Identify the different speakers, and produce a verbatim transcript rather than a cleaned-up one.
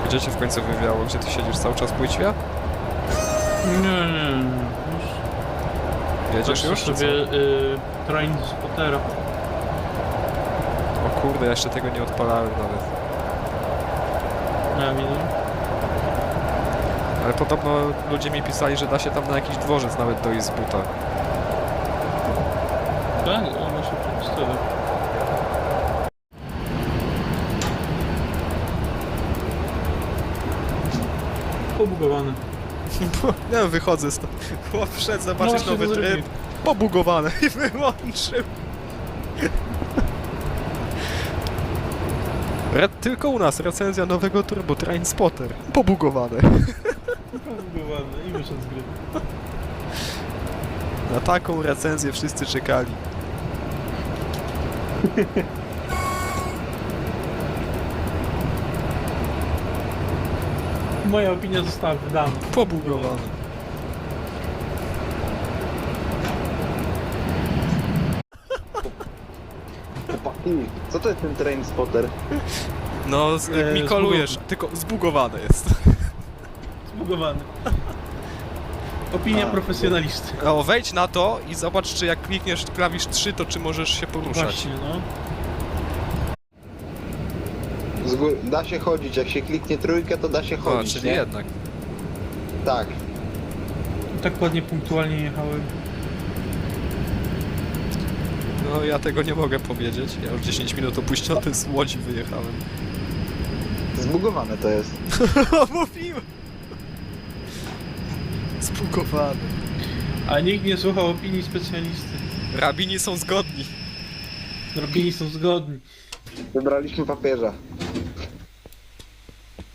Speaker 1: Gdzie cię w końcu wywiało? Gdzie ty siedzisz cały czas w płytwie?
Speaker 2: Nie, nie, nie.
Speaker 1: Jedziesz
Speaker 2: Patrzę
Speaker 1: już? czy
Speaker 2: sobie y, train z Pottera.
Speaker 1: co? O kurde, ja jeszcze tego nie odpalałem nawet.
Speaker 2: Nie wiem,
Speaker 1: Ale podobno ludzie mi pisali, że da się tam na jakiś dworzec nawet dojść z buta.
Speaker 2: tak? O, ma się przedstawić. Pobugowane.
Speaker 1: Ja wychodzę stąd. Chłop wszedł
Speaker 2: No
Speaker 1: zobaczyć
Speaker 2: właśnie
Speaker 1: nowy
Speaker 2: to
Speaker 1: tryb.
Speaker 2: zrobił.
Speaker 1: Pobugowane i wyłączył. Re tylko u nas recenzja nowego Turbo Train Spotter. Pobugowane.
Speaker 2: Pobugowane i wyszedł z gry.
Speaker 1: Na taką recenzję wszyscy czekali.
Speaker 2: Moja opinia została wydana.
Speaker 1: Pobugowane.
Speaker 3: Chłopaki, co to jest ten train spotter?
Speaker 1: No, z,
Speaker 2: Eee,
Speaker 1: mi kolujesz,
Speaker 2: zbugowane.
Speaker 1: tylko zbugowane jest.
Speaker 2: Zbugowany. Opinia
Speaker 3: A,
Speaker 2: profesjonalisty.
Speaker 1: O, wejdź na to i zobacz, czy jak klikniesz klawisz trzy, to czy możesz się poruszać.
Speaker 2: Właśnie, no.
Speaker 3: Z góry, da się chodzić, jak się kliknie trójkę, to da się
Speaker 1: O,
Speaker 3: chodzić,
Speaker 1: czyli
Speaker 3: nie?
Speaker 1: jednak.
Speaker 3: Tak.
Speaker 2: Tak ładnie punktualnie jechałem.
Speaker 1: No, ja tego nie mogę powiedzieć. Ja już dziesięć minut opóźniony z Łodzi wyjechałem.
Speaker 3: Zbugowane to jest.
Speaker 1: Mówiłem! Zbugowany.
Speaker 2: A nikt nie słuchał opinii specjalisty.
Speaker 1: Rabini są zgodni.
Speaker 2: Robini są zgodni.
Speaker 3: Wybraliśmy papieża.